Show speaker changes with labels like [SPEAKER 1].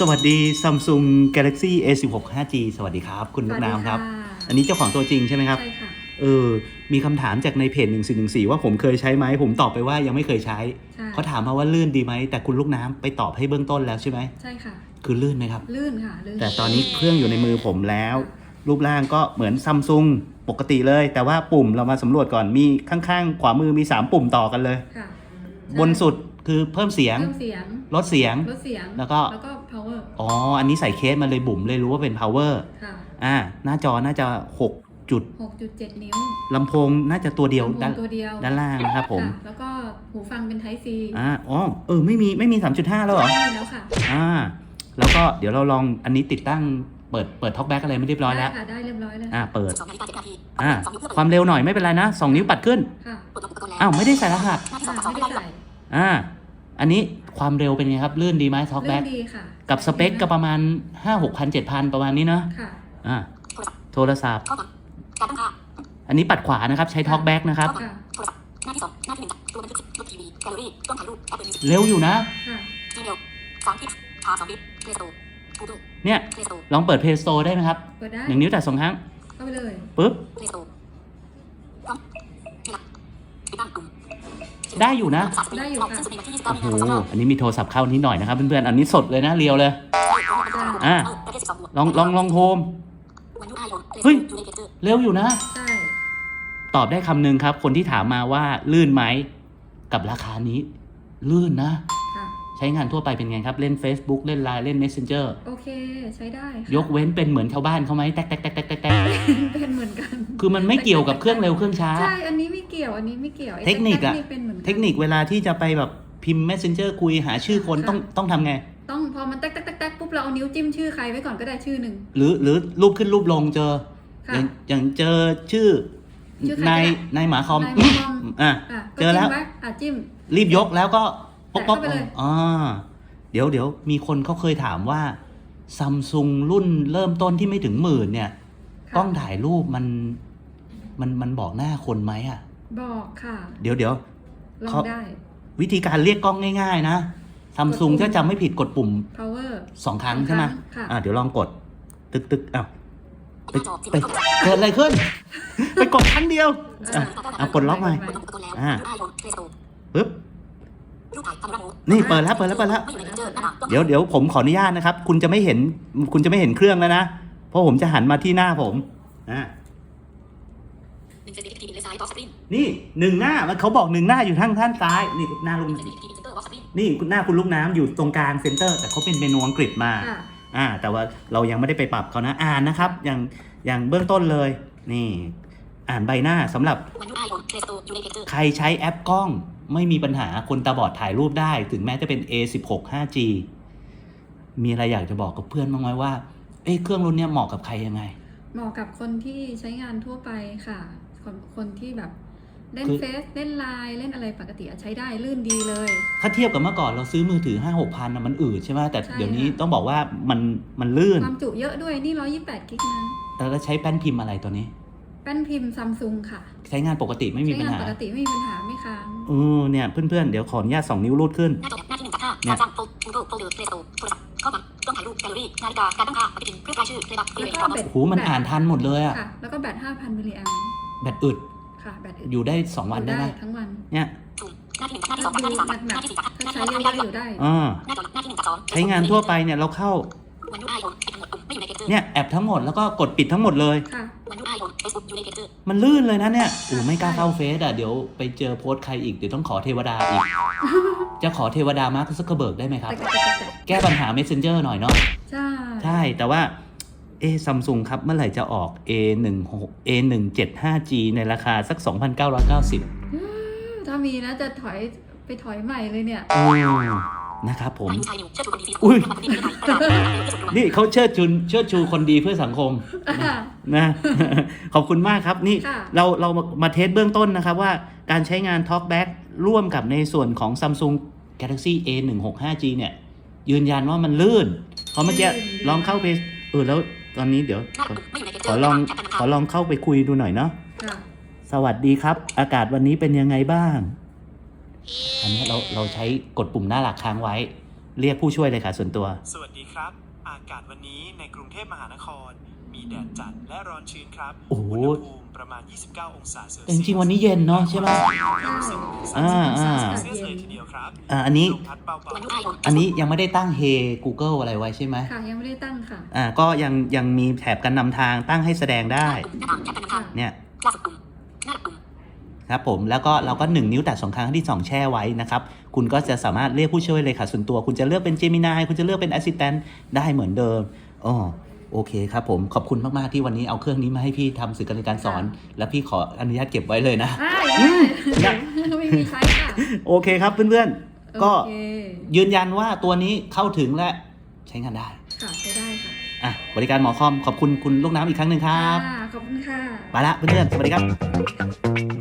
[SPEAKER 1] วัสดี Samsung Galaxy A16 5G สวัสดีครับคุณลูกน้ำครับอันนี้เจ้าของตัวจริงใช่ไหมครับ
[SPEAKER 2] ใช่ค่ะ
[SPEAKER 1] มีคำถามจากในเพจ1414ว่าผมเคยใช้ไหมผมตอบไปว่ายังไม่เคยใช้เขาถามมาว่าลื่นดีไหมแต่คุณลูกน้ำไปตอบให้เบื้องต้นแล้วใช่ไหม
[SPEAKER 2] ใช่ค่ะ
[SPEAKER 1] คือลื่นไหมครับ
[SPEAKER 2] ลื่นค่ะลื่น
[SPEAKER 1] แต่ตอนนี้เครื่องอยู่ในมือผมแล้วรูปร่างก็เหมือน Samsung ปกติเลยแต่ว่าปุ่มเรามาสำรวจก่อนมีข้างๆขวามือมี3ปุ่มต่อกันเลยบนสุดคือเพิ่มเสียงลดเสียงแล้วก็
[SPEAKER 2] power
[SPEAKER 1] อันนี้ใส่เคสมาเลยบุ๋มเลยรู้ว่าเป็น power
[SPEAKER 2] ค่ะ
[SPEAKER 1] หน้าจอน่าจะ
[SPEAKER 2] 6.7 นิ้ว
[SPEAKER 1] ลำโพงน่าจะตัวเดียวด้านล่างนะครับผม
[SPEAKER 2] แล้วก็หูฟังเป็น Type C
[SPEAKER 1] ไม่มี 3.5 แล้วเหรอ
[SPEAKER 2] ไม่แล้วค่ะ
[SPEAKER 1] แล้วก็เดี๋ยวเราลองอันนี้ติดตั้งเปิด Talkback อะไรไม่เรียบร้อยแล้ว
[SPEAKER 2] ได้เรียบร้อยแล้ว
[SPEAKER 1] เปิดความเร็วหน่อยไม่เป็นไรนะ2 นิ้วปัดขึ้นไม่ได้ใส่รหัส
[SPEAKER 2] ไม่ได้ใส่
[SPEAKER 1] อันนี้ความเร็วเป็นไงครับลื่นดีไหม Talkback
[SPEAKER 2] ดีค่ะ
[SPEAKER 1] กับสเปคก็ประมาณ 5-6,000 7,000 ประมาณนี้เนาะโทรศัพท์อันนี้ปัดขวานะครับใช้ Talkback นะครับเร็วอยู่นะเนี่ยลองเปิด Play Store ได้ไหมครับ1 นิ้วแต่2 ครั้ง
[SPEAKER 2] เข้าไปเลย
[SPEAKER 1] ปึ๊บได้อยู่นะ
[SPEAKER 2] ได้อยู่ค่ะ
[SPEAKER 1] โอ้โหอันนี้มีโทรศัพท์เข้านิดหน่อยนะครับเพื่อนๆอันนี้สดเลยนะเรียวเลยลองโฮมเฮ้ยเร็วอยู่นะ
[SPEAKER 2] ใช่
[SPEAKER 1] ตอบได้คำหนึ่งครับคนที่ถามมาว่าลื่นไหมกับราคานี้ลื่นนะใช้งานทั่วไปเป็นไงครับเล่น Facebook เล่น LINE เล่น Messenger
[SPEAKER 2] โอเคใช้ได้
[SPEAKER 1] ยกเว้นเป็นเหมือนชาวบ้านเขาไหมแตก
[SPEAKER 2] เป็นเหมือนกัน
[SPEAKER 1] คือมันไม่เกี่ยวกับเครื่องเร็วเครื่องช้า
[SPEAKER 2] ใช่อันนี้ไม่เกี่ยว
[SPEAKER 1] เทคนิคเวลาที่จะไปแบบพิมพ์ Messenger คุยหาชื่อคนต้องทำไง
[SPEAKER 2] ต้องพอมันแตกปุ๊บเราเอานิ้วจิ้มชื่อใครไว้ก่อนก็ได้ชื่อหนึ่ง
[SPEAKER 1] หรือรูปขึ้นรูปลงเจออย่างเจอชื่อนายหมาคอมเจอแล้ว
[SPEAKER 2] จิ้ม
[SPEAKER 1] รีบยกแล้วก็
[SPEAKER 2] ป๊อก
[SPEAKER 1] เดี๋ยวมีคนเขาเคยถามว่า Samsung รุ่นเริ่มต้นที่ไม่ถึง10,000เนี่ยกล้องถ่ายรูปมันบอกหน้าคนไหม
[SPEAKER 2] บอกค่ะ
[SPEAKER 1] เดี๋ยว
[SPEAKER 2] ลองได้
[SPEAKER 1] วิธีการเรียกกล้องง่ายๆนะSamsung ถ้าจำไม่ผิดกดปุ่ม
[SPEAKER 2] power
[SPEAKER 1] 2 ครั้งใช่ไหมเดี๋ยวลองกดตึกไปเกิดอะไรขึ้น ไปกดครั้งเดียวกดล็อกใหม่ปึ๊บนี่เปิดแล้วเดี๋ยวผมขออนุญาตนะครับคุณจะไม่เห็นเครื่องแล้วนะเพราะผมจะหันมาที่หน้าผมนี่1 หน้ามันเขาบอก1 หน้าอยู่ทางด้านซ้ายนี่หน้าลุงนี่หน้าคุณลูกน้ำอยู่ตรงกลางเซ็นเตอร์แต่เขาเป็นเมนูอังกฤษมาแต่ว่าเรายังไม่ได้ไปปรับเขานะอ่านนะครับอย่างเบื้องต้นเลยนี่อ่านใบหน้าสำหรับใครใช้แอปกล้องไม่มีปัญหาคนตาบอดถ่ายรูปได้ถึงแม้จะเป็น A16 5G มีอะไรอยากจะบอกกับเพื่อนบ้างไหมว่าเครื่องรุ่นนี้เหมาะกับใครยังไง
[SPEAKER 2] เหมาะกับคนที่ใช้งานทั่วไปค่ะคนที่แบบเล่นเฟซเล่นไลน์เล่นอะไรปกติใช้ได้ลื่นดีเลย
[SPEAKER 1] ถ้าเทียบกับเมื่อก่อนเราซื้อมือถือ 5-6 พันมันอืดใช่ไหมแต่เดี๋ยวนี้ต้องบอกว่ามันลื่น
[SPEAKER 2] ความจุเยอะด้วยนี่128 กิกนะ
[SPEAKER 1] แล้วใช้แป้นพิมพ์อะไรตัวนี้
[SPEAKER 2] แป้นพิมพ์ Samsung ค่ะ
[SPEAKER 1] ใช้งานปกติไม่มีปัญหา
[SPEAKER 2] ปกติไม่มีปัญหาไม่ค้าง
[SPEAKER 1] เนี่ยเพื่อนๆเดี๋ยวขออนุญาต2 นิ้วรูดขึ้น
[SPEAKER 2] หน้าที่1 จาก 5เนี่ยข้อความกล้องถ่ายรูปแกลเลอรี่นาฬิกาการตั้งค่าปฏิทินเครื่องรายชื่อเลยแบบ
[SPEAKER 1] มันอ่านทันหมดเลย
[SPEAKER 2] แล้วก็แบต 5,000 มิลลิแอมป์
[SPEAKER 1] แบตอึด
[SPEAKER 2] ค่ะแบตอึด
[SPEAKER 1] อยู่ได้2 วันได้ไหม
[SPEAKER 2] ทั้งวัน
[SPEAKER 1] เนี่ย
[SPEAKER 2] หน้าที่1 หน้าที่2หน้าที่3หน้าที่4ถ้าใช้เยอะๆอยู่ได้หน้าที่1 จาก 2
[SPEAKER 1] ใช้งานทั่วไปเนี่ยเราเข้าเนี่ยแอปทั้งหมดแล้วก็กดปิดทั้งหมดเลยมันลื่นเลยนะเนี่ยไม่กล้าเข้าเฟซเดี๋ยวไปเจอโพสต์ใครอีกเดี๋ยวต้องขอเทวดาอีกจะขอเทวดามาร์คซักเคอร์เบิร์กได้ไหมครับแก้ปัญหา Messenger หน่อยเนาะใช่แต่ว่าSamsung ครับเมื่อไหร่จะออก A17 5G ในราคาสัก 2,990
[SPEAKER 2] ถ้ามีนะจะถอยใหม่เลยเนี่ย
[SPEAKER 1] นะครับผมอุ้ยนี่เขาเชิดชูคนดีเพื่อสังคมนะขอบคุณมากครับนี่เรามาเทสเบื้องต้นนะครับว่าการใช้งาน Talkback ร่วมกับในส่วนของ Samsung Galaxy A16 5G เนี่ยยืนยันว่ามันลื่นเพราะเมื่อกี้ลองเข้าไปแล้วตอนนี้เดี๋ยวขอลองเข้าไปคุยดูหน่อยเนาะสวัสดีครับอากาศวันนี้เป็นยังไงบ้างอันนี้เราใช้กดปุ่มหน้าหลักค้างไว้เรียกผู้ช่วยเลขาส่วนตัว
[SPEAKER 3] สวัสดีครับ อากาศวันนี้ในกรุงเทพมหานคร มีแดดจัดและร้อนชื้นครับ
[SPEAKER 1] โอ้โห
[SPEAKER 3] อุณหภูมิประมาณ 29 องศาเซลเซียส
[SPEAKER 1] แต่จริงๆวันนี้เย็นเนาะใช่ไหม อ่า
[SPEAKER 3] เซลเซียสเลยทีเดียวครับ
[SPEAKER 1] อันนี้
[SPEAKER 3] ลมพัดเบาๆ
[SPEAKER 1] อันนี้ยังไม่ได้ตั้ง Hey Google อะไรไว้ใช่ไหม
[SPEAKER 2] ค่ะยังไม่ได้ตั้งค่ะ
[SPEAKER 1] ก็ยังมีแถบการนำทางตั้งให้แสดงได้
[SPEAKER 2] ค่ะ
[SPEAKER 1] เนี่ยครับผมแล้วก็เราก็1 นิ้วแตะ2 ครั้งที่2แช่ไว้นะครับคุณก็จะสามารถเรียกผู้ช่วยเลขาส่วนตัวคุณจะเลือกเป็น Gemini คุณจะเลือกเป็น Assistant ได้เหมือนเดิมโอเคครับผมขอบคุณมากๆที่วันนี้เอาเครื่องนี้มาให้พี่ทำสื่อการเรียนการสอน และพี่ขออนุญาตเก็บไว้เลยนะ
[SPEAKER 2] ไม่มีใช้ค่ะ
[SPEAKER 1] โอเคครับเพื่อนๆก็
[SPEAKER 2] โอเค
[SPEAKER 1] ยืนยันว่าตัวนี้เข้าถึงและใช้งานได้
[SPEAKER 2] ค่ะใช้ได้ค่ะ
[SPEAKER 1] บริการหมอคอมขอบคุณคุณลูกน้ำอีกครั้งหนึ่งครับ
[SPEAKER 2] ขอบคุณค่ะ
[SPEAKER 1] ไปละเพื่อนๆสวัสดีครับ